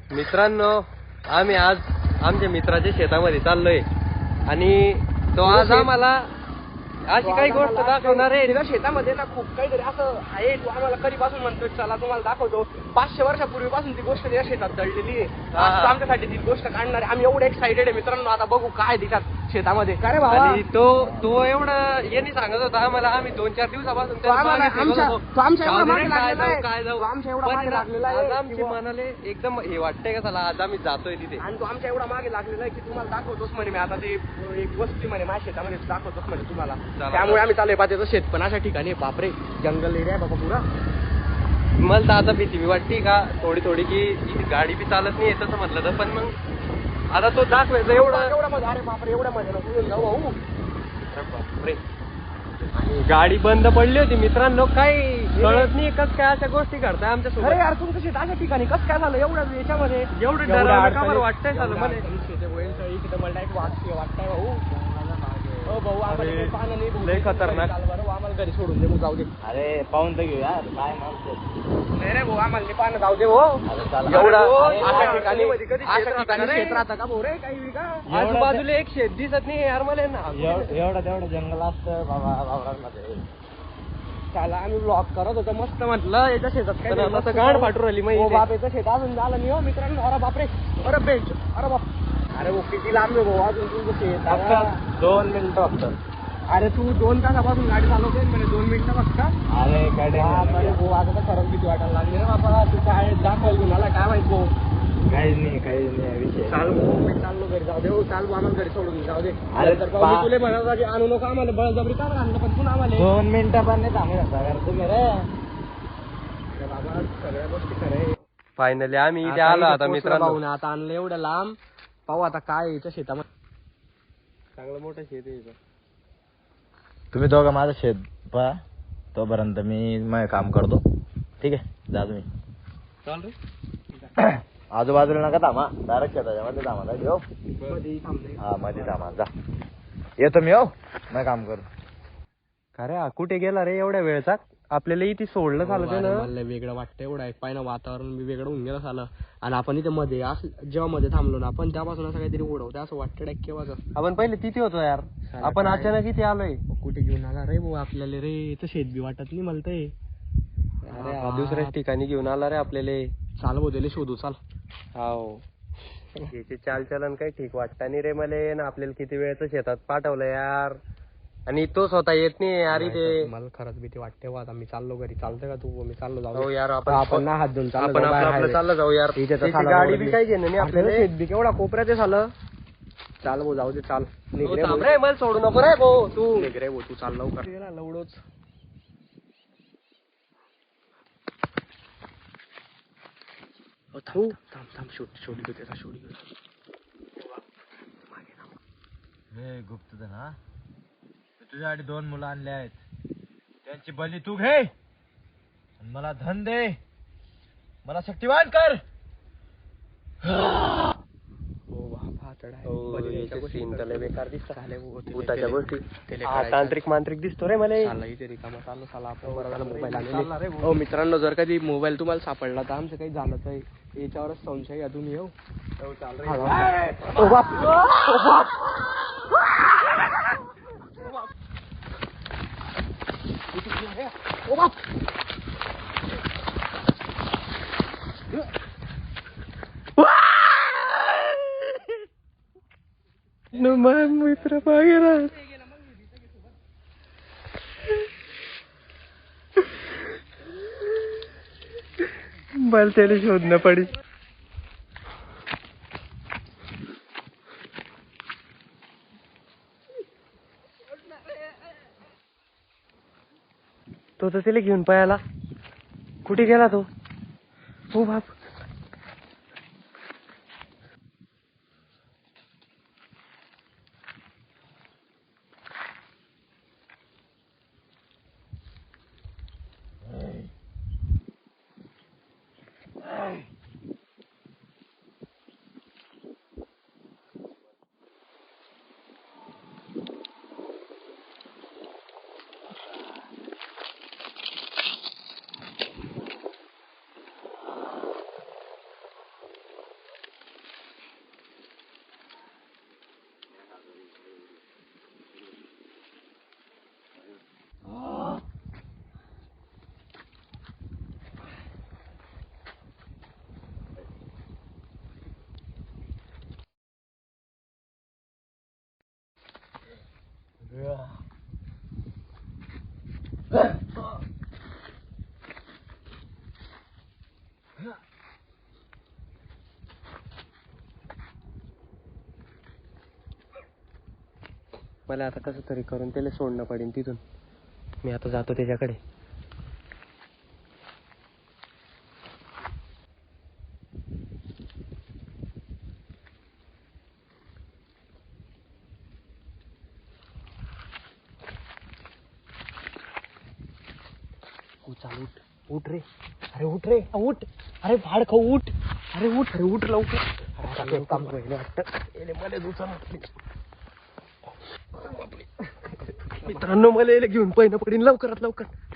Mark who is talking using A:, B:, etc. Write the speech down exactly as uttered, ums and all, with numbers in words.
A: मित्रांनो, आम्ही आज आमच्या मित्राच्या शेतामध्ये चाललोय आणि तो आज आम्हाला अशी काही गोष्ट दाखवणार आहे.
B: तिला शेतामध्ये ना खूप काहीतरी असं आहे. तू आम्हाला कधीपासून म्हणतोय चला तुम्हाला दाखवतो. पाचशे वर्षापूर्वीपासून ती गोष्ट त्या शेतात दळलेली आहे. आज आमच्यासाठी ती गोष्ट काढणार आहे. आम्ही एवढे एक्साइटेड आहे मित्रांनो. आता बघू काय दिसतात शेतामध्ये. काय रे बाबा,
A: आणि तो तो एवढं यांनी सांगत होता आम्हाला. आम्ही दोन चार दिवसापासून
B: तो आम्हाला आमच्या तो आमच्या एवढा मागे लागलेला आहे.
A: काय जाऊ
B: तो आमच्या एवढा
A: पण
B: मागे लागलेला
A: आज
B: आहे.
A: आमची मनाले एकदम हे वाटतंय का चला आज आम्ही जातोय तिथे.
B: आणि तो आमच्या एवढा मागे लागलेला आहे की तुम्हाला दाखवतोच म्हणे मी आता ते एक वस्ती म्हणे माझ्या शेतामध्ये दाखवतोच म्हणे तुम्हाला. त्यामुळे आम्ही चालू पाहतो शेत पण अशा ठिकाणी. बापरे, जंगल एरिया बाबा पुरा.
A: मला तर आता भीती मी वाटते का थोडी थोडी की इथे गाडी बी चालत नाही तसं म्हटलं तर. पण मग आता तो दाखवायचं एवढं
B: एवढा मध्ये. अरे बापरे, एवढ्या मध्ये नको जाऊ भाऊ.
A: बापरे, गाडी बंद पडली होती मित्रांनो. काही कळत नाही कस काय अशा गोष्टी करताय आमच्या सोबत.
B: अरे यार तुमचं शेत अशा ठिकाणी कसं काय झालं एवढं याच्यामध्ये?
A: एवढं डरावलं का बरं वाटतंय झालं मला.
B: इकडे मला एक वाटतंय वाटतंय भाऊ. हो भाऊ, आम्हाला पाहणं नाही.
A: लय खतरनाक.
B: बरं आम्हाला घरी सोडून दे, मग जाऊ दे.
C: अरे पाहून तर घेऊ यार, काय म्हणतो.
B: नाही रे भाऊ, आम्हाला नाही पाहणं, जाऊ दे भाऊ.
A: एवढा
B: अशा ठिकाणी अशा ठिकाणी शेत राहतं का भाऊ रे काही बी का?
A: आजूबाजूला एक शेत दिसत नाही यार मला ना.
C: एवढं तेवढं जंगल असतं बाबा वावरांमध्ये.
B: त्याला आम्ही ब्लॉक करत होतो मस्त म्हटलं याच्या शेतात काय नाही.
A: मस्त गाड फाटू राहिली मग
B: हो
A: इथे.
B: बाप, याचं शेत अजून झालं नाही हो मित्रांनो. अरे बापरे, अरे बेंच, अरे बाप. अरे भाऊ किती लांब आहे भाऊ अजून तुमचं शेत.
C: फक्त दोन मिनिटं फक्त.
B: अरे तू दोन तासापासून गाडी चालवतोय म्हणजे दोन मिनिटं फक्त.
C: अरे गाडी
B: भाऊ आता तर खरंच किती वाटायला लागली रे बाबा. तू काय दाखवायला कुणाला काय माहित भाऊ.
C: काहीच नाही काहीच नाही विषय.
B: चाल भाऊ, मी चाललो घरी. जाऊ दे हो, चाल भाऊ, आम्हाला घरी सोडून जाऊ दे.
C: अरे
B: तर भाऊ, मी तुला म्हणत होता की आणू नको आम्हाला, बळजबरी का आणलं पण तू आम्हाला.
C: दोन मिनिटं पण नाही थांबू शकता यार तुम्ही रे.
B: बाबा सगळ्या गोष्टी खरं.
A: फायनली आम्ही इथे आलो आता मित्रांनो.
B: भाऊ आता आणलं एवढं लांब. पाहू आता काय याच्या शेतामध्ये.
A: चांगलं मोठं शेत आहे.
C: तुम्ही दोघं माझं शेत पहा, तोपर्यंत मी मग काम करतो. ठीक आहे, जा तुम्ही.
A: चाल रे.
C: आजूबाजूला नका थांबा, डायरेक्ट शेताच्या मध्ये थांबा. हो हा, मध्ये थांबा. जा येतो मी. हो मग काम करू.
A: अरे हा कुठे गेला रे एवढ्या वेळचा? आपल्याला इथे सोडलं झालं ते ना.
B: मला वेगळं वाटतं एवढं आहे. पाय ना वातावरण बी वेगळं होऊन गेलं झालं. आणि आपण इथे मध्ये असं जेव्हा मध्ये थांबलो ना आपण त्यापासून असं काहीतरी उडवतं असं वाटतं डायरेक्ट केव्हाच.
A: आपण पहिले तिथे होतो यार, आपण अचानक इथे आलोय.
B: कुठे घेऊन आला रे भाऊ आपल्याला रे. इथं शेत बी वाटत नाही मला ते.
A: अरे हा दुसऱ्याच ठिकाणी घेऊन आला रे आपल्याला.
B: चाल भाऊ त्याला शोधू चाल.
A: हो, याची चालचलन काही ठीक वाटतं नाही रे मले ना. आपल्याला किती वेळचं शेतात पाठवलं यार. आणि तो स्वतः येत नाही यार इथे.
B: मला खरंच भीती वाटते. आता मी चाललो घरी. चालतं का तू? मी चाललो जाऊ.
A: हो यार, आपण
B: आपण ना हात धुवून चाललो.
A: आपण आपलं आपलं चाललं जाऊ यार. त्याची गाडी बी काही घेणं नाही आपल्याला.
B: शेत बी केवढा कोपऱ्यात झालं. चाल भाऊ जाऊ दे चाल.
A: हो, थांब रे, मला सोडू नको रे भाऊ तू.
B: निघ रे भाऊ तू, चाल लवकर. लवडोच थांब थांब थांब. शोध शोध घेऊ त्याचा शोध घेऊ.
C: हे गुप्तधन हा, तुझ्यासाठी दोन मुलं आणले आहेत. त्यांची बली तू घे आणि मला धन दे. मला शक्तिवान कर.
A: बेकार दिसतात भूताच्या गोष्टी. तांत्रिक मांत्रिक दिसतो रे मला.
B: हो मित्रांनो, जर कधी मोबाईल तुम्हाला सापडला तर आमचं काही झालं तर याच्यावरच संशय घ्या तुम्ही. हो
A: मित्र मागे राहत. मला त्याला शोधणं पडेल. तो तर त्याला घेऊन पळाला. कुठे गेला तो? हो बाप. मला आता कसं तरी करून त्याला सोडणं पडेल तिथून. मी आता जातो त्याच्याकडे. चाल उठ उठ रे. अरे उठ रे उठ. अरे भाड खाऊ उठ. अरे उठ अरे उठ लवकर. अरे आता एक काम पहिले वाटतं याले मला दुसरा मित्रांनो मला याला घेऊन पहिलं पडीन लवकरात लवकर.